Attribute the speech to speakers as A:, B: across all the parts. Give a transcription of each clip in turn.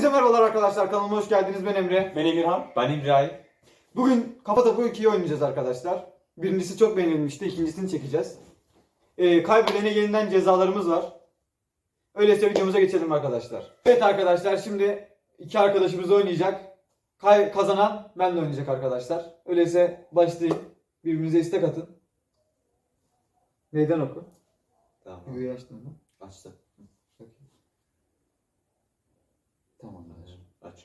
A: Herkese merhabalar arkadaşlar. Kanalıma hoş geldiniz. Ben Emre.
B: Ben Emirhan.
C: Ben İbrahim.
A: Bugün Kafa Topu 2'yi oynayacağız arkadaşlar. Birincisi çok beğenilmişti. İkincisini çekeceğiz. Kaybedene yeniden cezalarımız var. Öyleyse videomuza geçelim arkadaşlar. Evet arkadaşlar, şimdi iki arkadaşımız oynayacak. Kazanan ben de oynayacak arkadaşlar. Öyleyse başlayın. Birbirinize istek atın. Meydan oku.
C: Tamam.
A: Videoyu açtın mı?
C: Açtım.
A: Tamamdır.
C: Aç.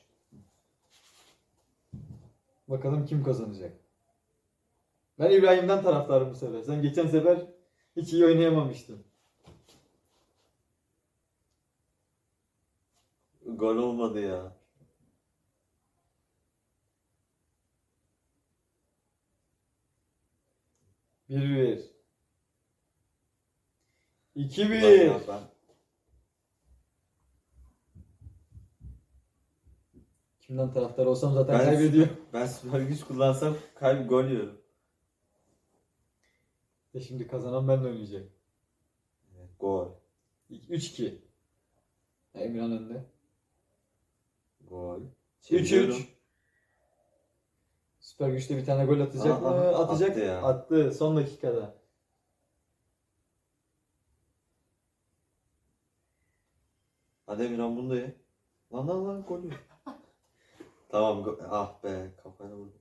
A: Bakalım kim kazanacak. Ben İbrahim'den taraftarım bu sefer. Sen geçen sefer hiç iyi oynayamamıştın.
C: Gol olmadı ya.
A: Bir. 2-1.
C: Ben
A: Kimden taraftar olsam zaten
C: Ben-
A: kaybediyor.
C: ben süper güç kullansam gol yiyorum.
A: Şimdi kazanan benle oynayacak.
C: Evet, gol.
A: 3-2. Emirhan önde.
C: Gol.
A: 3-3. Süper Güç'te bir tane gol atacak mı?
C: Aa,
A: Atacak.
C: attı ya.
A: Attı son dakikada.
C: Hadi Emirhan bunu da ye. Lan gol yiyor. Tamam. Ah be, kafayla vurdum.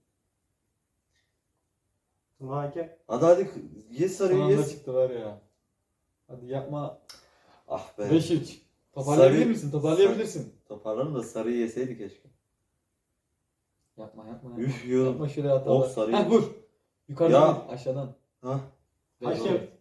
B: Vay.
C: Hadi ye
A: Son
C: sarıyı
A: anda
C: ye.
A: çıktı var ya. Hadi yapma.
C: Ah be.
A: 5-3. Toparlayabilir
C: Sarı-
A: misin? Toparlayabilirsin.
C: Toparlanın da sarıyı yeseydi keşke.
A: Yapma.
C: Üf yiyorum.
A: Yapma şöyle hatalar.
C: Of, sarıyı-
A: Heh, vur. Yukarıdan
C: Ya.
A: değil, aşağıdan.
C: Hah.
B: Hakem.
A: 5-4.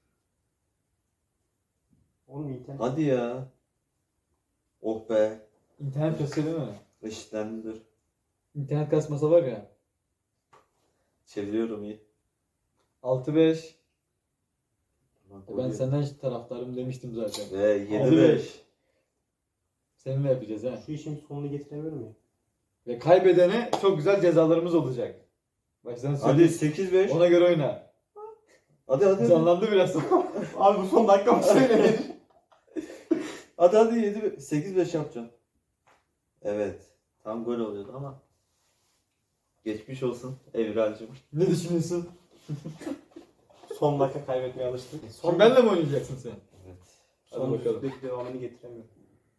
B: Oğlum internet.
C: Hadi ya. Oh be.
A: İnternet kasıyor değil mi?
C: Eşitlendi dur.
A: İnternet kasmasa var ya.
C: Çeviriyorum iyi.
A: 6-5.
C: Lan
A: Ben
C: gol yiyor.
A: senden taraftarım demiştim zaten.
C: Ve 7-5.
A: Seninle yapacağız ha.
B: Şu işin sonunu getiremiyorum ya.
A: Ve kaybedene çok güzel cezalarımız olacak. Baştan
C: Hadi
A: söyleyeyim.
C: 8-5.
A: Ona göre oyna.
C: Hadi.
A: Canlandı biraz.
B: Abi bu son dakika mı söylenir?
C: Hadi 7 8-5 yapacağım. Evet. Tam gol oluyordu ama. Geçmiş olsun Evralcığım.
A: Ne düşünüyorsun?
B: Son dakika kaybetmeye alıştık.
A: Son benle mi oynayacaksın sen?
C: Evet.
A: Hadi
B: Son
A: bakalım.
B: dakika devamını getiremiyorum.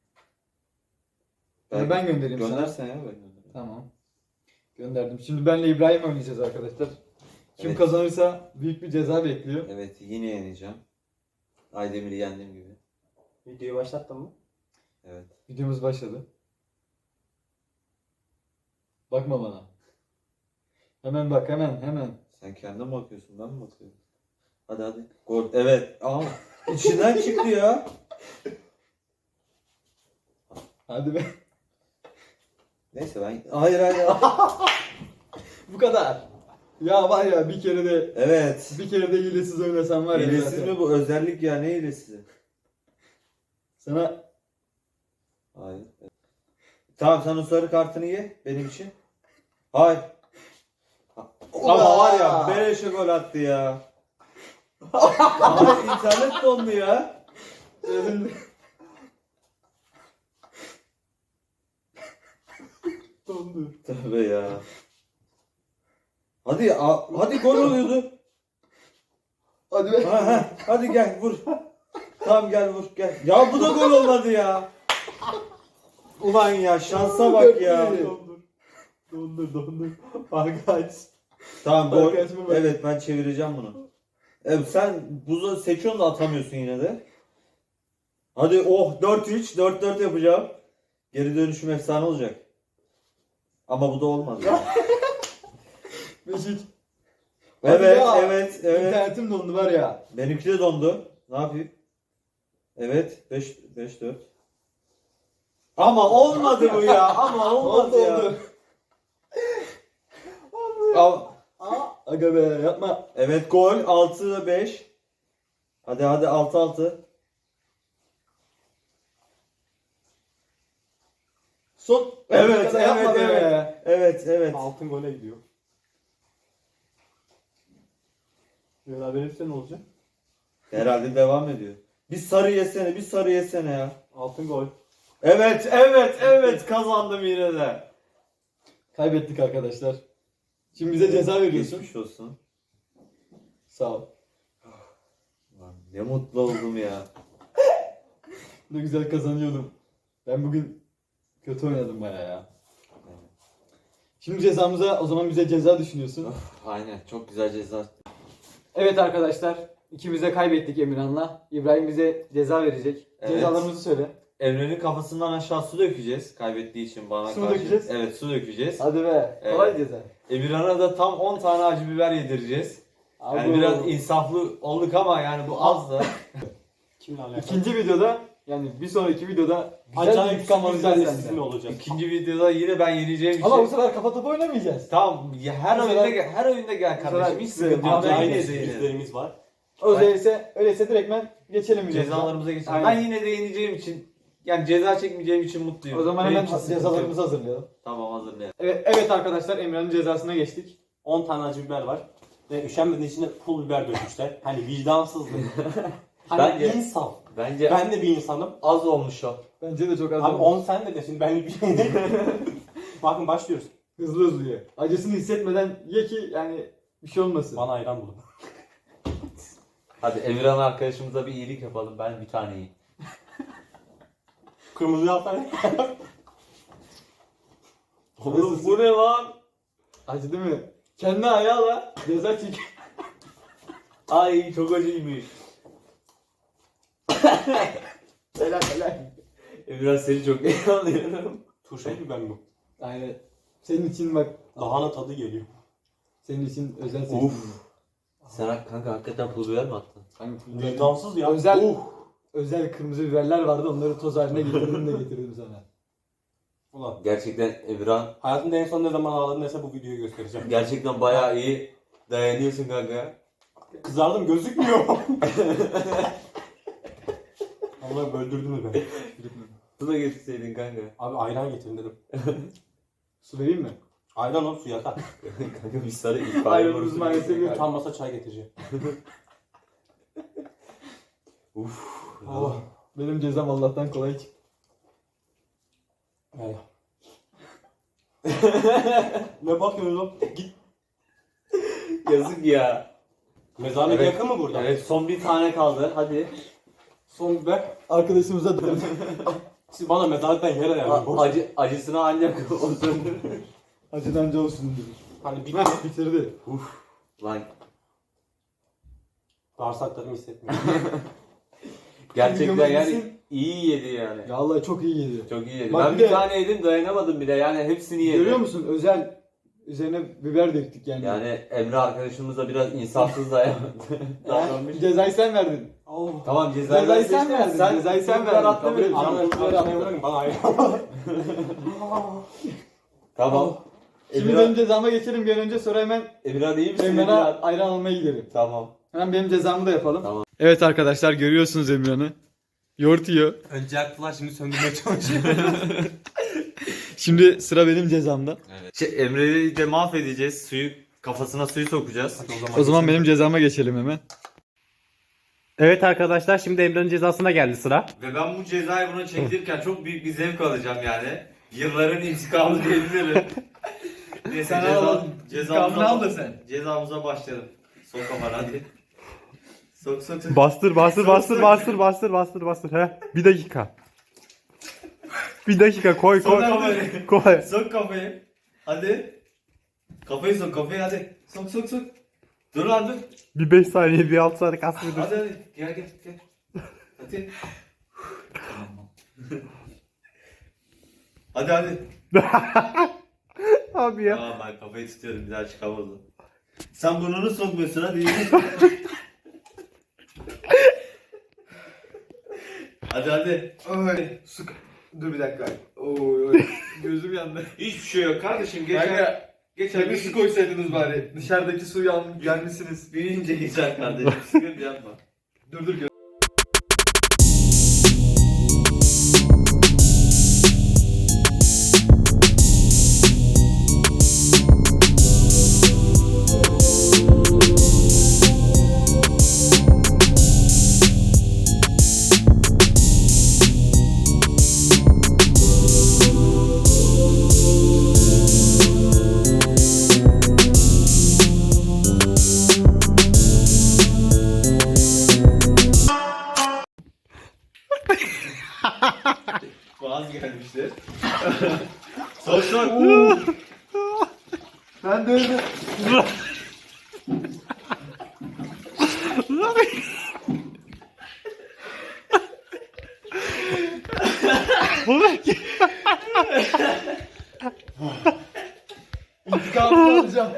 A: Ben göndereyim sana.
C: Göndersen ya ben göndereyim.
A: Tamam. Gönderdim. Şimdi benle İbrahim oynayacağız arkadaşlar. Kim
C: Evet.
A: kazanırsa büyük bir ceza bekliyor.
C: Evet yine yeneceğim. Aydemir'i yendiğim gibi.
B: Videoyu başlattın mı?
C: Evet.
A: Videomuz başladı. Bakma bana. Hemen bak, hemen.
C: Sen kendin mi bakıyorsun, ben mi bakıyorum? Hadi. Gol. Evet. Aa, içinden çıktı ya.
A: Hadi be.
C: Neyse ben... Hayır.
A: Bu kadar. Ya var ya, bir kere
C: Evet.
A: de hilesiz oynasam var ya.
C: Hilesiz
A: zaten.
C: mi bu? Özellik ya, ne hilesizi?
A: Sana
C: Hayır. Tamam sen o sarı kartını ye benim için. Hayır. Ama var ya beleşe gol attı ya. Abi internet dondu ya.
A: dondu.
C: Tövbe ya. Hadi gol oluyordu.
A: Hadi be.
C: Hadi gel vur. Tamam gel vur gel. Ya bu da gol olmadı ya. Ulan ya şansa bak ya.
B: Dondur. Arkadaş.
C: Tamam gol.
A: Arkadaşıma bak.
C: Evet ben çevireceğim bunu. Evet sen buzu seçiyorsun da atamıyorsun yine de. Hadi 4-3 4-4 yapacağım. Geri dönüşüm efsane olacak. Ama bu da olmadı.
A: Beşik.
C: Evet.
A: İnternetim dondu var ya.
C: Benimki de dondu. Ne yapayım? Evet 5-4. Ama olmadı bu ya. Ama olmadı ya.
A: Aga be, yapma.
C: Evet gol 6-5. Hadi 6-6.
A: Son.
C: Evet,
A: Yapma
C: evet,
A: be.
C: Evet.
B: Altın gole gidiyor. Beraber ne olacak?
C: Herhalde devam ediyor. Bir sarı yesene ya.
B: Altın gol.
C: Evet kazandım yine de.
A: Kaybettik arkadaşlar. Şimdi bize ceza veriyorsun.
C: Geçmiş olsun.
A: Sağ ol.
C: Lan ne mutlu oldum ya.
A: Ne güzel kazanıyordum. Ben bugün kötü oynadım baya ya. Şimdi cezamıza, o zaman bize ceza düşünüyorsun.
C: Aynen çok güzel ceza.
A: Evet arkadaşlar. İkimiz de kaybettik Emirhan'la. İbrahim bize ceza verecek.
C: Evet.
A: Cezalarımızı söyle.
C: Emre'nin kafasından aşağı su dökeceğiz. Kaybettiği için bana
A: Su mu
C: karşı.
A: dökeceğiz?
C: Evet su dökeceğiz.
A: Hadi be.
C: Evet.
A: Kolay ceza.
C: Emirhan'a da tam 10 tane acı biber yedireceğiz. Yani
A: Abo.
C: biraz insaflı olduk ama yani bu az da.
B: Kimle alakalı?
A: İkinci videoda, yani bir sonraki videoda güzel bir
B: Acayip
A: intikam
B: sürprizlerle
A: alacağız
B: sizinle
A: senden.
B: olacak.
C: İkinci videoda yine ben yeneceğim için.
A: Ama bu sefer kafa topu oynamayacağız.
C: Tamam ya her
A: Bu
C: oyunda
A: sefer-
C: gel, her oyunda gel
A: bu
C: kardeşim.
A: sefer
C: Hiç
A: size
C: sıkıntı yok. Ben
B: Acayip
C: yine de yenerim.
B: sürprizlerimiz var.
A: Öyleyse direktmen geçelim videomuza.
C: Cezalarımıza geçelim.
A: Aynen.
C: Ben yine de yeneceğim için yani ceza çekmeyeceğim için mutluyum.
A: O zaman
C: Benim
A: hemen
C: için sıkıntı yok.
A: cezalarımızı hazırlayalım.
C: Tamam hazırlayalım.
A: Evet arkadaşlar, Emre'nin cezasına geçtik.
B: 10 tane acı biber var. Ve üşenmediği içine pul biber dökmüşler. Hani vicdansızlık. Hani
C: Bence-
B: insaf.
C: Bence
B: Ben de bir insanım.
C: az olmuş o.
A: Bence de çok az
B: Abi
A: oldu.
B: 10 sen de şimdi benlik bir şey değil. Bakın başlıyoruz.
A: Hızlı ye. Acısını hissetmeden ye ki yani bir şey olmasın.
B: Bana ayran bulun.
C: Hadi Emirhan arkadaşımıza bir iyilik yapalım. Ben bir tane yiyeyim.
B: Kırmızı yapsana.
C: Oğlum bu ne lan?
A: Acı değil mi? Kendi ayağıyla ceza çek.
C: Ay çok acıymış.
A: Helal.
C: Emirhan seni çok iyi anlıyorum.
B: Turşalı biber mi bu?
A: Aynen. Senin için bak.
B: Lahana tadı geliyor.
A: Senin için özel seçtim.
C: Uf. Sen kanka hakikaten pul biber mi attın?
A: Hangi film?
B: Vicdansız ya.
A: Özel özel kırmızı biberler vardı. Onları toz haline getirdim sana.
B: Ulan.
C: Gerçekten Emirhan
B: Hayatımda en son ne zaman ağladın neyse bu videoyu göstereceğim.
C: gerçekten bayağı iyi dayanıyorsun kanka.
B: Kızardım gözükmüyor. Allah öldürdünüz beni.
C: Su da getirseydin kanka.
B: Abi ayran getirin dedim.
A: Su vereyim mi?
B: Ayran ol suya kat.
C: Kanka biz sana ilk
A: Ayranımız maalesef yok.
B: Utanmasa çay getireceğim.
C: Uf.
A: Oh, benim cezam Allah'tan kolay çıktı.
B: Evet. Ne bakıyorsun oğlum? Git.
C: Yazık ya.
B: Mezarlık
C: Evet.
B: yakın mı burada?
C: Evet son bir tane kaldı. Hadi.
B: Son biber.
A: Arkadaşımıza da
B: Siz bana mezarlıktan yer ayarlayın.
C: Acısını ancak o söndürür.
A: acıdancı olsun dedi.
B: Hani bir
A: Heh, bitirdi.
C: Lan
B: bağırsaklarımı hissetmiyorum.
C: gerçekten
A: Videomuz
C: yani
A: bitsin.
C: iyi yedi yani.
A: Ya Allah çok iyi geliyor.
C: Çok iyi yedi.
A: Bak
C: Ben
A: bir
C: bir
A: de-
C: tane yedim dayanamadım bile yani hepsini yedim.
A: Görüyor musun? Özel üzerine biber döktük yani.
C: Yani Emre arkadaşımız da biraz insafsız davranmış.
A: Cezayı sen verdin.
B: Oh.
C: Tamam cezayı
A: Cezayı
C: seçtim.
A: sen verdin. Cezayı sen
C: biber
A: verdin.
C: attın
A: Kabul
C: mı?
A: et.
B: Anam
A: Biber
B: biber
A: attı.
B: bırakın bana ayran.
C: Tamam.
A: Şimdi benim cezama geçelim bir an önce, sonra hemen
C: Emirhan iyi misin?
A: Emre'ne
C: Emirhan?
A: ayran almaya gidelim.
C: Tamam.
A: Hemen benim cezamı da yapalım.
C: Tamam.
A: Evet arkadaşlar, görüyorsunuz Emre'ni. Yoğurt yiyor.
B: Önce yaktılar şimdi söndürmeye çalışıyor.
A: Şimdi sıra benim cezamda.
C: Emre'yi de mahvedeceğiz. Kafasına suyu sokacağız.
A: O zaman benim cezama geçelim hemen.
B: Evet arkadaşlar şimdi Emre'nin cezasına geldi sıra.
C: Ve ben bu cezayı buna çektirirken çok büyük bir zevk alacağım yani. Yılların intikamı diyebilirim. Neyse
A: Sen al, intikamını al da sen.
C: Cezamıza başlayalım. Sok kafana hadi. Sok.
D: Bastır. He. Bir dakika. Bir dakika koy.
C: Sok kafayı.
D: Koy.
C: Sok kafayı. Hadi. Kafayı sok hadi. Sok. Dur lan dur.
D: Bir 5 saniye bir 6 saniye kasmıyor.
C: Hadi. Gel. Hadi. hadi.
D: Abi ya.
C: Aa ben kafayı tutuyorum bir daha çıkamadım. Sen burnunu sokmuyorsun hadi. hadi.
A: Oy, dur bir dakika. Oy. Gözüm yandı.
C: Hiçbir şey yok kardeşim. Geçer
A: su koysaydınız bari. Dışarıdaki suyu gelmişsiniz.
C: büyüyünce geçer kardeşim. Sıkıntı yapma.
A: Dur.
C: falan gelmiştir. Sonuçlar
A: Ben de öyle. İntikamımı alacağım.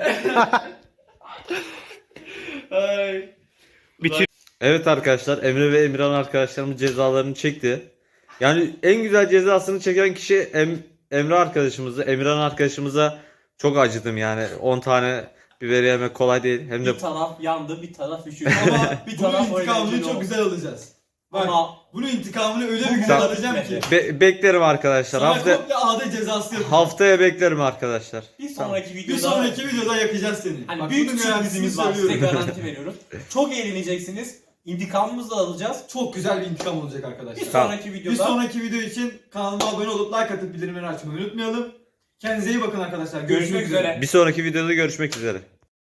C: Evet arkadaşlar, Emre ve Emirhan arkadaşlarımız cezalarını çekti. Yani en güzel cezasını çeken kişi Emre arkadaşımızı. Emirhan arkadaşımıza çok acıdım yani. 10 tane biberi yemek kolay değil. Hem de
B: Bir taraf yandı, bir taraf üşüdü.
A: Ama
B: Bir
A: bunun
B: taraf
A: intikamını
B: eğlenceli
A: çok
B: oldu.
A: güzel alacağız. Bak
B: Ama
A: bunun intikamını öyle bir güzel
C: Tamam.
A: alacağım ki.
C: beklerim arkadaşlar.
A: Sana
C: Hafta
A: komple ağda cezası yapacağım.
C: haftaya beklerim arkadaşlar.
B: bir sonraki
A: Bir
B: videoda
A: sonraki videoda yakacağız seni.
B: hani
A: Bak,
B: büyük
A: bunun
B: sürprizimiz var.
A: garantisini
B: Size
A: söylüyorum.
B: garanti veriyoruz. Çok eğleneceksiniz. İntikamımızı da alacağız.
A: Çok güzel bir intikam olacak
B: Bir
A: arkadaşlar.
B: sonraki
A: Bir
B: videoda
A: sonraki video için kanalıma abone olup like atıp bildirimleri açmayı unutmayalım. Kendinize iyi bakın arkadaşlar.
B: görüşmek üzere.
C: Bir sonraki videoda görüşmek üzere.